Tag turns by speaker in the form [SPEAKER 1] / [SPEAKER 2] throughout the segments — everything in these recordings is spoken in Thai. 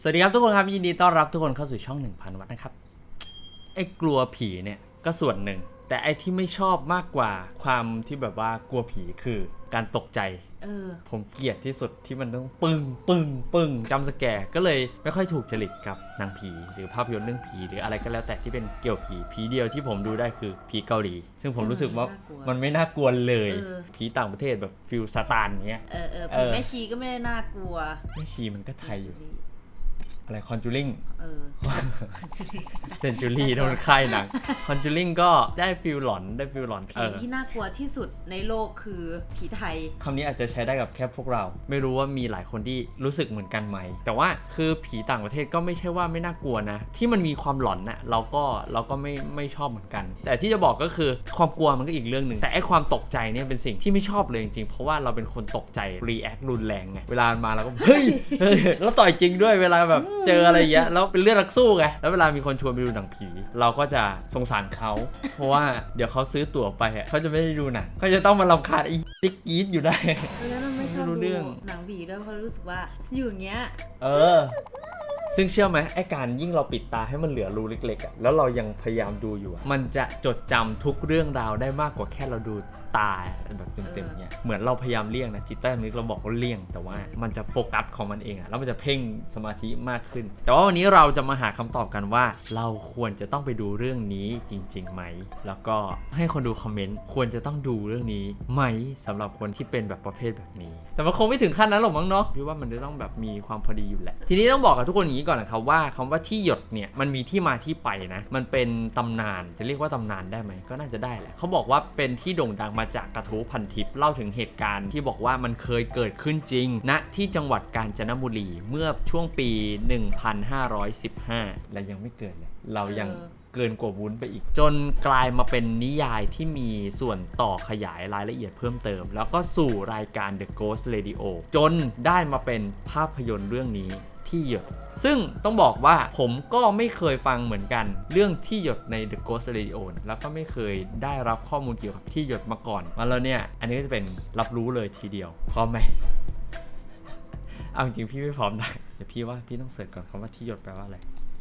[SPEAKER 1] สวัสดีครับทุกคนครับยินดีต้อนรับทุกคนเข้าสู่ช่อง 1000 วัตต์นะครับไอ้กลัวผีเนี่ยก็ส่วนหนึ่งแต่ไอ้ที่ไม่ชอบมากกว่าความที่แบบว่ากลัวผีคือการตกใจผมเกลียดที่สุดที่มันต้องปึ้งจำสแกร์ก็เลยไม่ค่อยถูกจริตกับหนังผีหรือภาพยนตร์เรื่องผีหรืออะไรก็แล้วแต่ที่เป็นเกี่ยวผีเดียวที่ผมดูได้คือผีเกาหลีซึ่งผมรู้สึกว่ามันไม่น่ากลัวเลยผีต่างประเทศแบบฟิลซาตานเงี้ย
[SPEAKER 2] ผีแม่ชีก็ไม่ได้น่ากลัว
[SPEAKER 1] แม่ชีมันก็ไทยอยู่อะไรคอนจูริงเซนจูรี่โดนค่ายหนังคอนจูริงก็ได้ฟิลหลอน
[SPEAKER 2] ผีที่น่ากลัวที่สุดในโลกคือผีไทย
[SPEAKER 1] คำนี้อาจจะใช้ได้กับแค่พวกเราไม่รู้ว่ามีหลายคนที่รู้สึกเหมือนกันไหมแต่ว่าคือผีต่างประเทศก็ไม่ใช่ว่าไม่น่ากลัวนะที่มันมีความหลอนนะเราก็ไม่ชอบเหมือนกันแต่ที่จะบอกก็คือความกลัวมันก็อีกเรื่องหนึ่งแต่ไอ้ความตกใจเนี่ยเป็นสิ่งที่ไม่ชอบเลยจริงๆเพราะว่าเราเป็นคนตกใจรีแอครุนแรงไงเวลามาเราก็เฮ้ยแล้วต่อยจริงด้วยเวลาแบบเจออะไรเงี้ยแล้วเป็นเลือดนักสู้ไงแล้วเวลามีคนชวนไปดูหนังผีเราก็จะสงสารเขาเพราะว่าเดี๋ยวเขาซื้อตั๋วไปเขาจะไม่ได้ดูหนังเขาจะต้องมารำคาญไอ้ติ๊กกีดอยู่ได้
[SPEAKER 2] แล้วเราไม่ชอบดูหนังผีด้วยเพราะรู้สึกว่าอยู่อย่างเงี้ย
[SPEAKER 1] ซึ่งเชื่อไหมไอ้การยิ่งเราปิดตาให้มันเหลือรูเล็กๆแล้วเรายังพยายามดูอยู่มันจะจดจำทุกเรื่องราวได้มากกว่าแค่เราดูตาแบบเต็มๆเนี่ยเหมือนเราพยายามเลี่ยงนะจิตใต้สำนึกเราบอกว่าเลี่ยงแต่ว่ามันจะโฟกัสของมันเองแล้วมันจะเพ่งสมาธิมากขึ้นแต่ว่าวันนี้เราจะมาหาคำตอบกันว่าเราควรจะต้องไปดูเรื่องนี้จริงๆไหมแล้วก็ให้คนดูคอมเมนต์ควรจะต้องดูเรื่องนี้ไหมสำหรับคนที่เป็นแบบประเภทแบบนี้แต่มันคงไม่ถึงขั้นนั้นหรอกมั้งเนาะพี่ว่ามันจะต้องแบบมีความพอดีอยู่แหละทีนี้ต้องบอกกับทุกคนอย่างนี้ก่อนนะครับว่าคำว่าที่หยดเนี่ยมันมีที่มาที่ไปนะมันเป็นตำนานจะเรียกว่าตำนานได้ไหมก็น่าจะได้แหละเขาบอกว่าเป็นที่โด่งดังมาจากกระทู้พันทิปเล่าถึงเหตุการณ์ที่บอกว่ามันเคยเกิดขึ้นจริงณที่จังหวัดกาญจนบุรีเมื่อช่วงปี 1515 และยังไม่เกิดเลยเรายังเกินกว่าวุ้นไปอีกจนกลายมาเป็นนิยายที่มีส่วนต่อขยายรายละเอียดเพิ่มเติมแล้วก็สู่รายการ The Ghost Radio จนได้มาเป็นภาพยนตร์เรื่องนี้ที่หยดซึ่งต้องบอกว่าผมก็ไม่เคยฟังเหมือนกันเรื่องที่หยดใน The Ghost Radio แล้วก็ไม่เคยได้รับข้อมูลเกี่ยวกับที่หยดมาก่อนมาแล้วเนี่ยอันนี้ก็จะเป็นรับรู้เลยทีเดียวพร้อมไหมเอาจริงพี่ไม่พร้อมนะเดี๋ยวพี่ว่าพี่ต้องเสิร์ชก่อนคำว่าที่หยดแปลว่าอะไร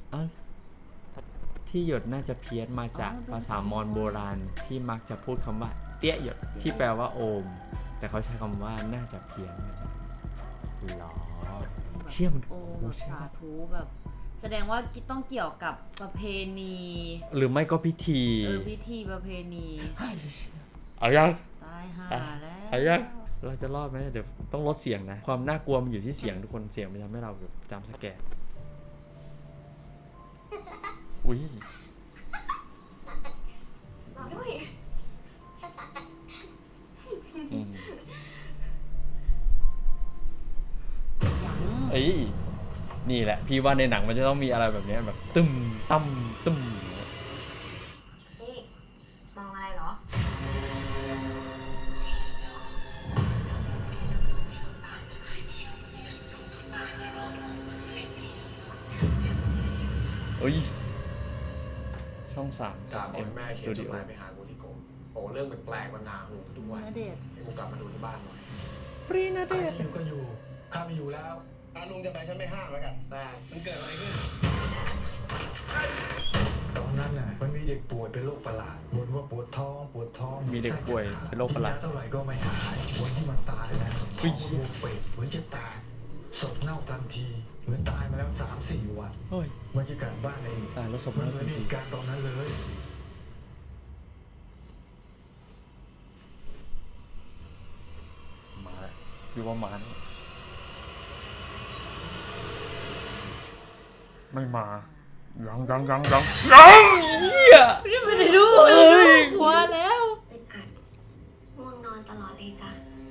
[SPEAKER 1] ที่หยดน่าจะเพี้ยนมาจากภาษามอญโบราณที่มักจะพูดคำว่าเตี้ยหยดที่แปลว่าโอมแต่เขาใช้คำว่าน่าจะเพี้ยนมาจากหรอเชี่ยมัน
[SPEAKER 2] โอ้สาธุแบบแสดงว่าต้องเกี่ยวกับประเพณี
[SPEAKER 1] หรือไม่ก็พิธี
[SPEAKER 2] พิธีประเพณี
[SPEAKER 1] เอายัง
[SPEAKER 2] ตายห่าแล้ว
[SPEAKER 1] เอายังเราจะรอดไหมเดี๋ยวต้องลดเสียงนะความน่ากลัวมันอยู่ที่เสียงทุกคนเสียงมันทำให้เราจำสแกนอุ้ยนี่แหละพี่ว่าในหนังมันจะต้องมีอะไรแบบนี้แบบตึมตั้มตึม
[SPEAKER 3] นี่มองอะไรเหรอ
[SPEAKER 1] ช่อง3
[SPEAKER 4] กับแม่เขียนจดหมายไปหากูที่กรมโอ้เรื่องแปลกๆมันหนาหูทุกวันให้กูกลับมาดูที่บ้านหน่อย
[SPEAKER 1] ปรีนาเดช
[SPEAKER 4] อยู่ก็อยู่ข้าไม่อยู่แล้วลุงจะไปฉันไม่ห้ามแล้วกันแต่มันเกิดอะไรขึ้น
[SPEAKER 5] ตอนนั้นน่ะมันมีเด็กป่วยเป็นโรคประหลาดบ่นว่าปวดท้อง
[SPEAKER 1] มีเด็กป่วยเป็นโรคประหลาด
[SPEAKER 5] เท่าไหร่ก็ไม่หายวันที่มันตายนะท้องบวมเป่งเหมือนจะตายศพเน่าทันทีเหมือนตายมาแล้ว 3-4 วันบรรยากาศบ้านเอง
[SPEAKER 1] ตายแล้วศพ
[SPEAKER 5] มันเหมือนเหตุการณ์ตอนนั้นเลย
[SPEAKER 1] มาคือว่ามาไม่มายังเหี้ย
[SPEAKER 2] ไม่ได้ดูเลยหัวแล้ว
[SPEAKER 3] เป็นอัดง่วงนอนตลอดเลยจ้ะ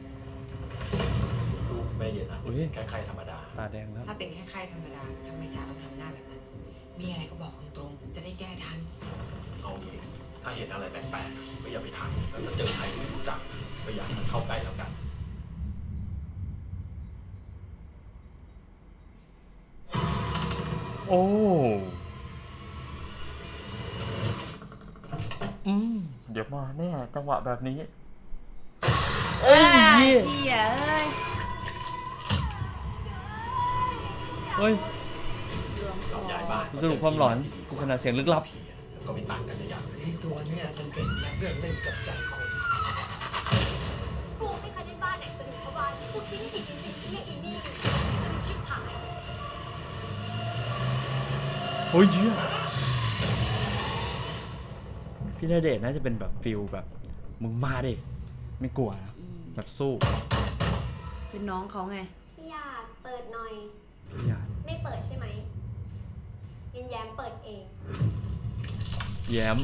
[SPEAKER 4] ลูกไม่เย็นนะแค่ไข้ธรรมดา
[SPEAKER 1] ตาแดงแล้ว
[SPEAKER 6] ถ้าเป็นแค่ไข้ธรรมดาทำไมจ่าต้องทำหน้าแบบนั้นมีอะไรก็บอกตรงๆจะได้แก้ทัน
[SPEAKER 4] เอางี้ถ้าเห็นอะไรแปลกๆก็อย่าไปทำแล้วถ้าเจอใครที่รู้จักก็อย่าให้มันเข้าใกล้แล้วกัน
[SPEAKER 1] โอ้เดี๋ยวมาแน่จังหวะแบบนี้
[SPEAKER 2] เชี่ย
[SPEAKER 1] เฮ้ย
[SPEAKER 4] เราย้ายบ้าน
[SPEAKER 1] สรุปความหลอนปริศนาเสียงลึกลับ
[SPEAKER 4] ก็ไม่ต่างกันในอย่าง
[SPEAKER 5] ไอ้ตัวเนี้ยมันเป็นนักเรื่องเล่นกับใจคน
[SPEAKER 3] กูไม่เคยได้บ้านไหนสะดุดเข้าบ้านกูคิดไม่ผิดจริงๆที่อีนี่สะดุดชิบหาย
[SPEAKER 1] โอ้ยเหี้ยพี่ณเดชน์น่าจะเป็นแบบฟิลแบบมึงมาดิไม่กลัวนะ
[SPEAKER 2] อืม
[SPEAKER 1] แบบสู้
[SPEAKER 2] เป็นน้องเขาไง
[SPEAKER 3] พี่หยาดเปิดหน่อย
[SPEAKER 1] อย่า
[SPEAKER 3] ไม่เปิดใช่ไหมยินแย้มเปิดเอง
[SPEAKER 1] แย้ม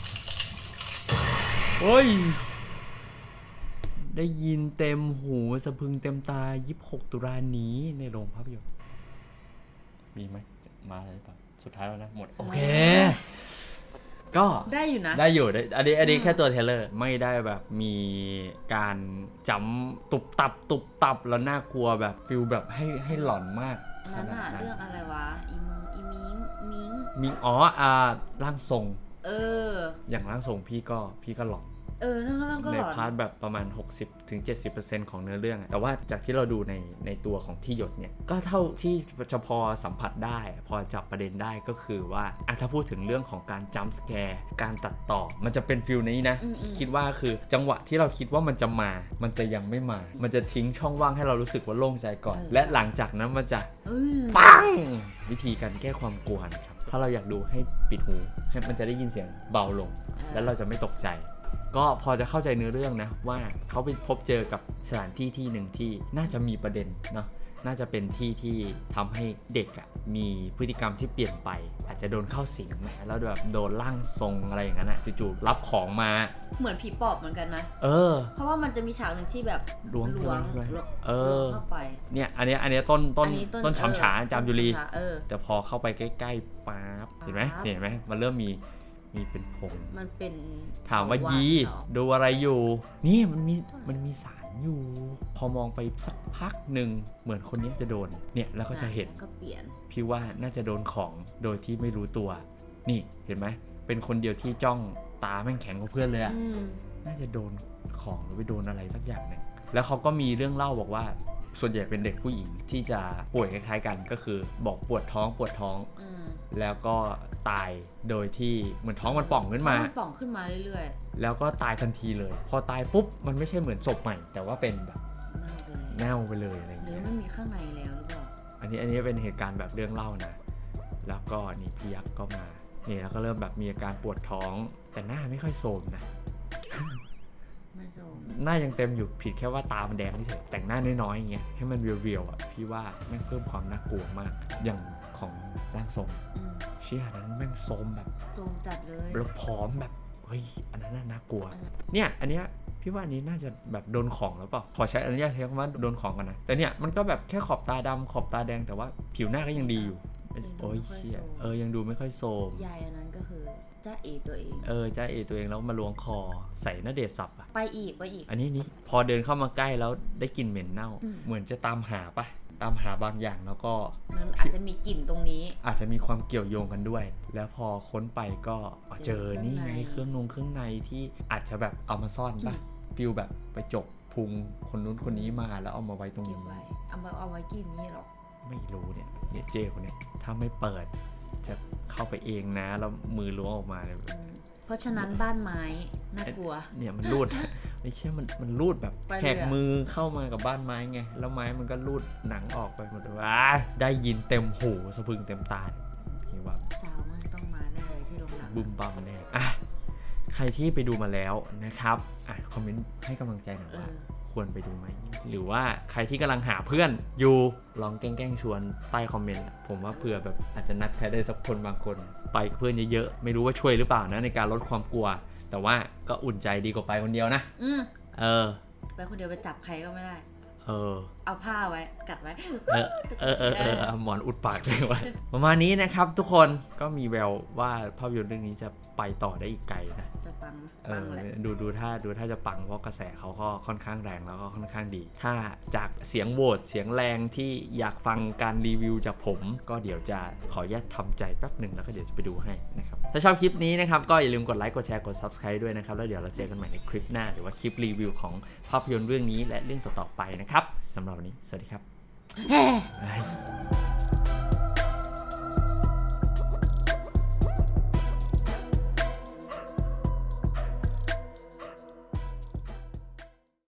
[SPEAKER 1] โอ้ยได้ยินเต็มหูสะพรึงเต็มตา26 ตุลานี้ในโรงภาพยนตร์มีไหมมาเลยปะสุดท้ายแล้วนะหมดโอเค ก็
[SPEAKER 2] ได้อยู่นะ
[SPEAKER 1] ได้อยู่ได้อันนี้แค่ตัวเทรลเลอร์ไม่ได้แบบมีการจำตุบตับแล้วน่ากลัวแบบฟิลแบบให้หลอนมาก
[SPEAKER 2] อันนั้นอะเรื่องอะไรวะ อีมิง
[SPEAKER 1] มิงร่างทรง
[SPEAKER 2] เออ
[SPEAKER 1] อย่างร่างทรงพี่ก็หลอน
[SPEAKER 2] นั่นก็
[SPEAKER 1] ใน
[SPEAKER 2] หลอน
[SPEAKER 1] พาร์ทแบบประมาณ 60-70% ของเนื้อเรื่องอะแต่ว่าจากที่เราดูในตัวของที่หยดเนี่ยก็เท่าที่จะพอสัมผัสได้พอจับประเด็นได้ก็คือว่าถ้าพูดถึงเรื่องของการจัมป์สแกร์การตัดต่อมันจะเป็นฟิลนี้นะคิดว่าคือจังหวะที่เราคิดว่ามันจะมามันจะยังไม่มามันจะทิ้งช่องว่างให้เรารู้สึกว่าโล่งใจก่อน และหลังจากนั้นมันจะปังวิธีการแก้ความกลัวนะครับถ้าเราอยากดูให้ปิดหูให้มันจะได้ยินเสียงเบาลง แล้วเราจะไม่ตกใจก็พอจะเข้าใจเนื้อเรื่องนะว่าเขาไปพบเจอกับสถานที่ที่หนึ่งที่น่าจะมีประเด็นเนาะน่าจะเป็นที่ทำให้เด็กมีพฤติกรรมที่เปลี่ยนไปอาจจะโดนเข้าสิงแล้วแบบโดนร่างทรงอะไรอย่างนั้นจู่ๆรับของมา
[SPEAKER 2] เหมือนผีปอบเหมือนกันนะ เพราะว่ามันจะมีฉากหนึ่งที่แบบ
[SPEAKER 1] ล้วง
[SPEAKER 2] ล้วง เข้าไป
[SPEAKER 1] เนี่ยอันนี้ต้นฉำฉาจามจุรี แต่พอเข้าไปใกล้ๆป๊าบเห็นไหมมันเริ่มมีเป็นผง
[SPEAKER 2] มันเป็น
[SPEAKER 1] ถามว่ายี
[SPEAKER 2] เหรอ
[SPEAKER 1] ดูอะไรอยู่นี่มันมีสารอยู่ พอมองไปสักพักหนึ่งเหมือนคนนี้จะโดนเนี่ยแล้วก็จะเห็น
[SPEAKER 2] ก็เปลี่ยน
[SPEAKER 1] พี่ว่าน่าจะโดนของโดยที่ไม่รู้ตัว นี่เห็นไหมเป็นคนเดียวที่จ้องตาแม่งแข็งกว่าเพื่อนเลยอะน่าจะโดนของหรือไปโดนอะไรสักอย่างหนึ่งแล้วเขาก็มีเรื่องเล่าบอกว่าส่วนใหญ่เป็นเด็กผู้หญิงที่จะป่วยคล้ายๆกันก็คือบอกปวดท้องแล้วก็ตายโดยที่เหมือนท้องมันป่องขึ้นมา
[SPEAKER 2] เรื่อย
[SPEAKER 1] แล้วก็ตายทันทีเลย พอตายปุ๊บมันไม่ใช่เหมือนศพใหม่ แต่ว่าเป็นแบบ
[SPEAKER 2] ๆ
[SPEAKER 1] เน่าไปเลยอะไรอย่าง
[SPEAKER 2] หรือ
[SPEAKER 1] เงี้ย
[SPEAKER 2] มันมีข้างในแล้วหรือเปล่า
[SPEAKER 1] อันนี้เป็นเหตุการณ์แบบเรื่องเล่านะแล้วก็นี่พี่ยักษ์ก็มานี่แล้วก็เริ่มแบบมีอาการปวดท้องแต่หน้าไม่ค่อยโทรมนะ
[SPEAKER 2] ไม่โจม
[SPEAKER 1] หน้ายังเต็มอยู่ผิดแค่ว่าตามันแดงเฉยแต่งหน้าน้อยๆอย่างเงี้ยให้มันเรียวๆอ่ะพี่ว่าแม่งเพิ่มความน่ากลัวมากอย่างของร่างทรงเชี่ยนั้นแม่งโทรมแบบ
[SPEAKER 2] โจมจัดเลย
[SPEAKER 1] แล้วผอมแบบเฮ้ยอันนั้นน่ากลัวเนี่ยอันเนี้ยพี่ว่าอันนี้น่าจะแบบโดนของหรือเปล่าขอใช้อนุญาตใช้คำว่าโดนของกันนะแต่เนี่ยมันก็แบบแค่ขอบตาดำขอบตาแดงแต่ว่าผิวหน้าก็ยังดีอยู่โอ้ยเชี่ยยังดูไม่ค่อยโซม
[SPEAKER 2] ยายอันนั้นก็คือจ้าเอตัวเอง
[SPEAKER 1] จ้าเอตัวเองแล้วมาล้วงคอใส่ณเดชน์สับอ่ะ
[SPEAKER 2] ไปอีก
[SPEAKER 1] อันนี้พอเดินเข้ามาใกล้แล้วได้กลิ่นเหม็นเน่า เหมือนจะตามหาบางอย่างแล้วก็
[SPEAKER 2] มันอาจจะมีกลิ่นตรงนี้
[SPEAKER 1] อาจจะมีความเกี่ยวโยงกันด้วย แล้วพอค้นไปก็เจอนี่ไงเครื่องในที่อาจจะแบบเอามาซ่อนป่ะฟิลแบบไปจกพุงคนนู้นคนนี้มาแล้วเอามาไว้ตรง
[SPEAKER 2] เก็
[SPEAKER 1] นี้
[SPEAKER 2] บไว้ เอาไว้กินนี่หรอ
[SPEAKER 1] ไม่รู้เนี่ยเจคนเนี่ยถ้าไม่เปิดจะเข้าไปเองนะแล้วมือล้วงออกมาเลย
[SPEAKER 2] เพราะฉะนั้นบ้านไม้น่ากลัว
[SPEAKER 1] เนี่ยมันรูด ไม่ใช่มันรูดแบบ
[SPEAKER 2] ไปเลยอะ
[SPEAKER 1] แหกมือเข้ามากับบ้านไม้ไงแล้วไม้มันก็รูดหนังออกไปหมดเลยได้ยินเต็มหูสะพรึงเต็มตาพี่ว่า
[SPEAKER 2] สาวมันต้องมาแน่เลยที่โรงหนัง
[SPEAKER 1] บึมบัมแน่ใครที่ไปดูมาแล้วนะครับคอมเมนต์ให้กำลังใจหน่อยว่าควรไปดูไหมหรือว่าใครที่กำลังหาเพื่อนอยู่ลองแกล้งชวนใต้คอมเมนต์ผมว่าเผื่อแบบอาจจะนัดใครได้สักคนบางคนไปกับเพื่อนเยอะๆไม่รู้ว่าช่วยหรือเปล่านะในการลดความกลัวแต่ว่าก็อุ่นใจดีกว่าไปคนเดียวนะ
[SPEAKER 2] ไปคนเดียวไปจับใครก็ไม่ได้
[SPEAKER 1] เอา
[SPEAKER 2] ผ้าไว้กัดไว้
[SPEAKER 1] หมอนอุดปากเลยไว้ประมาณนี้นะครับทุกคนก็มีแววว่าภาพยนตร์เรื่องนี้จะไปต่อได้อีกไกลนะ
[SPEAKER 2] จะปังแหละ
[SPEAKER 1] ดูถ้าจะปังเพราะกระแสเขาก็ค่อนข้างแรงแล้วก็ค่อนข้างดี ถ้าจากเสียงโหวตเสียงแรงที่อยากฟังการรีวิวจากผมก็เดี๋ยวจะขออนุญาตทำใจแป๊บหนึ่งแล้วก็เดี๋ยวจะไปดูให้นะครับถ้าชอบคลิปนี้นะครับก็อย่าลืมกดไลค์กดแชร์กด Subscribe ด้วยนะครับแล้วเดี๋ยวเราเจอกันใหม่ในคลิปหน้าหรือว่าคลิปรีวิวของภาพยนตร์เรื่องนี้และเรื่องต่อๆไปนะครับสำหรับวันนี้สวัสดีครับ